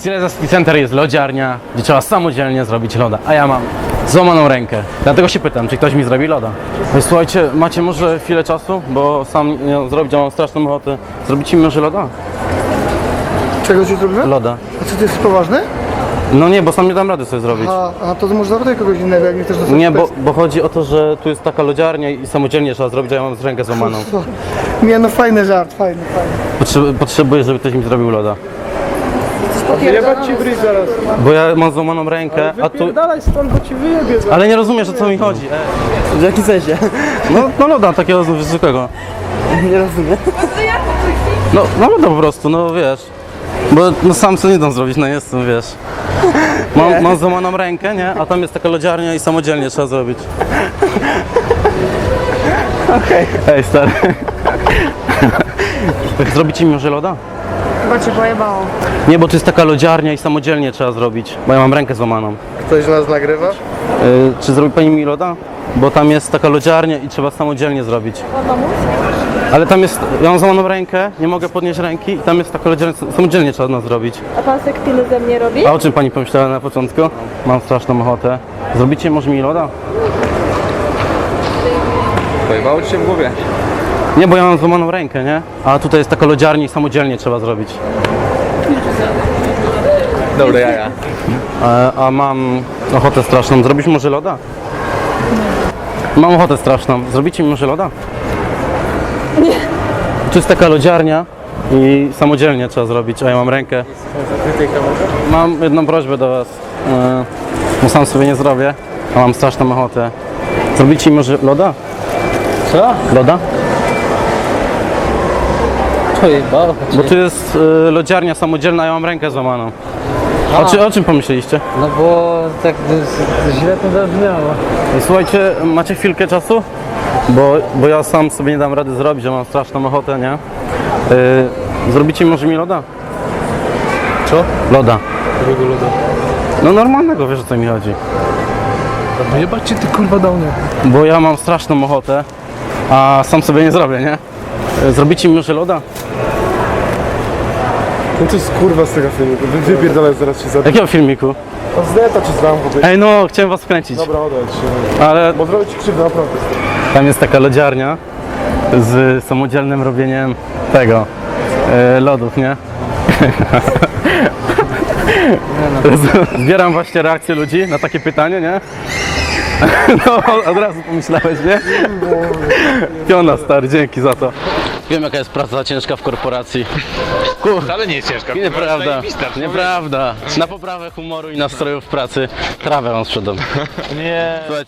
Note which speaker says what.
Speaker 1: Cineza City Center jest lodziarnia, gdzie trzeba samodzielnie zrobić loda, a ja mam złamaną rękę. Dlatego się pytam, czy ktoś mi zrobi loda. Ej, słuchajcie, macie może chwilę czasu, bo sam nie zrobić, a mam straszną ochotę. Zrobicie mi może loda?
Speaker 2: Czego ci zrobimy?
Speaker 1: Loda.
Speaker 2: A co, ty jesteś poważny?
Speaker 1: No nie, bo sam nie dam rady sobie zrobić.
Speaker 2: A to może zapytaj kogoś innego, jak nie chcesz dostać
Speaker 1: Nie, bo chodzi o to, że tu jest taka lodziarnia i samodzielnie trzeba zrobić, a ja mam rękę złamaną.
Speaker 2: Nie, no fajny żart, fajny.
Speaker 1: Potrzebuję, żeby ktoś mi zrobił loda.
Speaker 2: Wyjebać ci bryz zaraz.
Speaker 1: Bo ja mam złamaną rękę, a tu...
Speaker 2: Dalej stąd, bo ci wyjebie zaraz.
Speaker 1: Ale nie rozumiesz, o co mi chodzi.
Speaker 3: W jakim sensie?
Speaker 1: No loda takiego zwykłego.
Speaker 3: Nie rozumiem.
Speaker 1: No loda po prostu, no wiesz. Bo no sam sobie nie dam zrobić, no jestem, wiesz. Mam złamaną rękę, nie? A tam jest taka lodziarnia i samodzielnie trzeba zrobić.
Speaker 3: Okej.
Speaker 1: Ej, stary. Zrobicie mi może loda?
Speaker 4: Chyba cię pojebało.
Speaker 1: Nie, bo to jest taka lodziarnia i samodzielnie trzeba zrobić, bo ja mam rękę złamaną.
Speaker 2: Ktoś nas nagrywa?
Speaker 1: Czy zrobi pani mi loda? Bo tam jest taka lodziarnia i trzeba samodzielnie zrobić. Ale tam jest, ja mam złamaną rękę, nie mogę podnieść ręki i tam jest taka lodziarnia, samodzielnie trzeba nas zrobić.
Speaker 4: A pan sekpiny ze mnie robi?
Speaker 1: A o czym pani pomyślała na początku? Mam straszną ochotę. Zrobicie może mi loda?
Speaker 5: Pojebało ci się w głowie?
Speaker 1: Nie, bo ja mam złamaną rękę, nie? A tutaj jest taka lodziarnia i samodzielnie trzeba zrobić.
Speaker 5: Dobre jaja.
Speaker 1: A mam ochotę straszną. Zrobić może loda? Mam ochotę straszną. Zrobicie mi może loda? Nie. Tu jest taka lodziarnia i samodzielnie trzeba zrobić, a ja mam rękę. Mam jedną prośbę do was. Bo sam sobie nie zrobię, a mam straszną ochotę. Zrobicie mi może loda?
Speaker 3: Co?
Speaker 1: Loda?
Speaker 3: Pojebało cię.
Speaker 1: Bo tu jest lodziarnia samodzielna, a ja mam rękę złamaną. O czym pomyśleliście?
Speaker 3: No bo tak źle to zabrzmiało.
Speaker 1: Słuchajcie, macie chwilkę czasu? Bo ja sam sobie nie dam rady zrobić, że mam straszną ochotę, nie? Zrobicie może mi loda?
Speaker 5: Co?
Speaker 1: Loda.
Speaker 5: Jakiego loda?
Speaker 1: No normalnego, wiesz o co mi chodzi.
Speaker 5: Wyjebać cię ty kurwa do mnie.
Speaker 1: Bo ja mam straszną ochotę, a sam sobie nie zrobię, nie? Zrobicie mi może loda?
Speaker 6: No to jest kurwa z tego filmu, wypierdolę zaraz się zabiję.
Speaker 1: Jakiego filmiku?
Speaker 6: No z neta ci znam po prostu.
Speaker 1: Ej no, chciałem was wkręcić.
Speaker 6: Dobra, odejdź się.
Speaker 1: Ale
Speaker 6: Bo zrobię ci krzywdę, naprawdę.
Speaker 1: tam jest taka lodziarnia z samodzielnym robieniem tego, lodów, nie? Zbieram właśnie reakcję ludzi na takie pytanie, nie? No, od razu pomyślałeś, nie? Piona, stary, dzięki za to. Wiem, jaka jest praca ciężka w korporacji.
Speaker 5: Ale nie jest ciężka.
Speaker 1: Nieprawda, nieprawda. Na poprawę humoru i nastroju w pracy trawę wam sprzedam.
Speaker 5: Nie.